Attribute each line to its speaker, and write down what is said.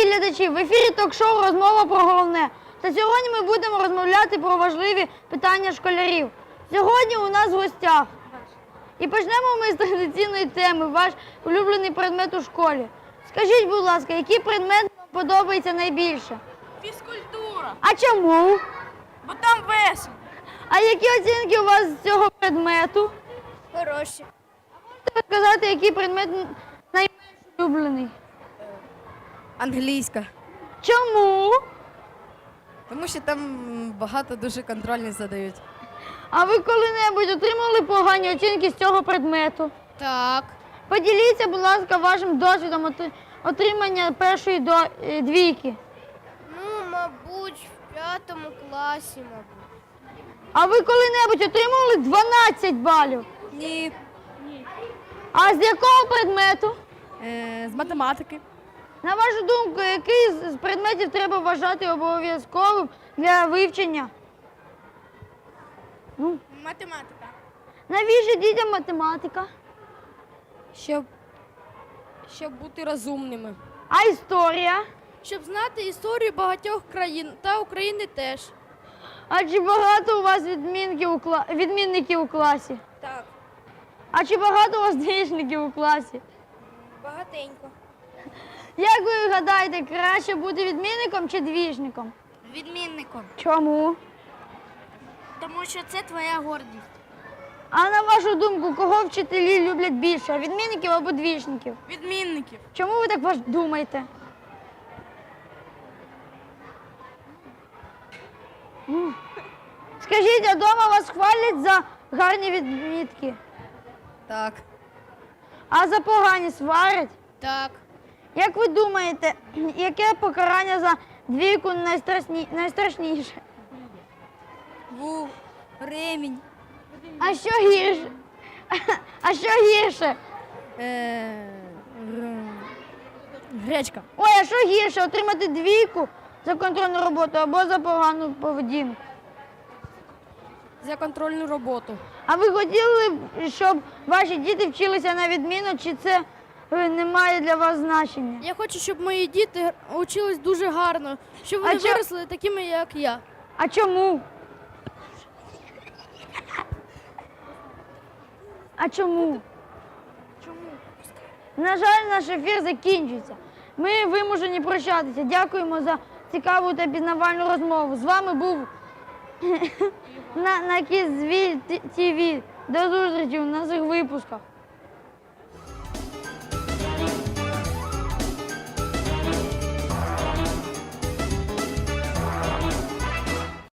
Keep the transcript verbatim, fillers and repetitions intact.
Speaker 1: глядачі! В ефірі ток-шоу «Розмова про головне». Та сьогодні ми будемо розмовляти про важливі питання школярів. Сьогодні у нас в гостях. І почнемо ми з традиційної теми, ваш улюблений предмет у школі. Скажіть, будь ласка, який предмет вам подобається найбільше?
Speaker 2: Фізкультура.
Speaker 1: А чому?
Speaker 2: Бо там весело.
Speaker 1: А які оцінки у вас з цього предмету?
Speaker 2: Хороші.
Speaker 1: Можете сказати, який предмет найменш улюблений?
Speaker 3: Англійська.
Speaker 1: Чому?
Speaker 3: Тому що там багато дуже контрольних задають.
Speaker 1: А ви коли-небудь отримали погані оцінки з цього предмету?
Speaker 3: Так.
Speaker 1: Поділіться, будь ласка, вашим досвідом отри- отримання першої до е, двійки.
Speaker 4: Ну, мабуть, в п'ятому класі, мабуть.
Speaker 1: А ви коли-небудь отримали дванадцять балів?
Speaker 3: Ні.
Speaker 1: А з якого предмету?
Speaker 3: Е, з математики.
Speaker 1: На вашу думку, який з з предметів треба вважати обов'язковим для вивчення? Ну,
Speaker 2: Математика.
Speaker 1: навіщо дітям математика?
Speaker 3: Щоб, щоб бути розумними.
Speaker 1: А історія?
Speaker 4: Щоб знати історію багатьох країн та України теж.
Speaker 1: А чи багато у вас відмінків у кла- відмінників у класі?
Speaker 4: Так,
Speaker 1: А чи багато у вас двічників у класі?
Speaker 4: багатенько.
Speaker 1: Як ви гадаєте, краще бути відмінником чи двічником?
Speaker 2: Відмінником.
Speaker 1: Чому?
Speaker 2: Тому що це твоя гордість.
Speaker 1: А на вашу думку, кого вчителі люблять більше? Відмінників або двічників?
Speaker 2: Відмінників.
Speaker 1: Чому ви так ваш- думаєте? Ну. Скажіть, а вдома вас хвалять за гарні відмітки?
Speaker 3: Так.
Speaker 1: А за погані сварять?
Speaker 4: Так.
Speaker 1: Як ви думаєте, яке покарання за двійку найстрашні... найстрашніше?
Speaker 3: Був ремінь.
Speaker 1: А що гірше? А що гірше?
Speaker 3: Е, р- гречка.
Speaker 1: Ой, а що гірше? Отримати двійку за контрольну роботу або за погану поведінку?
Speaker 3: За контрольну роботу.
Speaker 1: А ви хотіли б, щоб ваші діти вчилися на відміну, чи це е, не має для вас значення?
Speaker 4: Я хочу, щоб мої діти учились дуже гарно, щоб
Speaker 1: А
Speaker 4: вони
Speaker 1: чо-
Speaker 4: виросли такими, як я.
Speaker 1: А чому? А чому?
Speaker 4: Чому?
Speaker 1: На жаль, наш ефір закінчується. Ми вимушені прощатися. Дякуємо за цікаву та пізнавальну розмову. З вами був на, на Кізвіль ТВ. До зустрічі в наших випусках.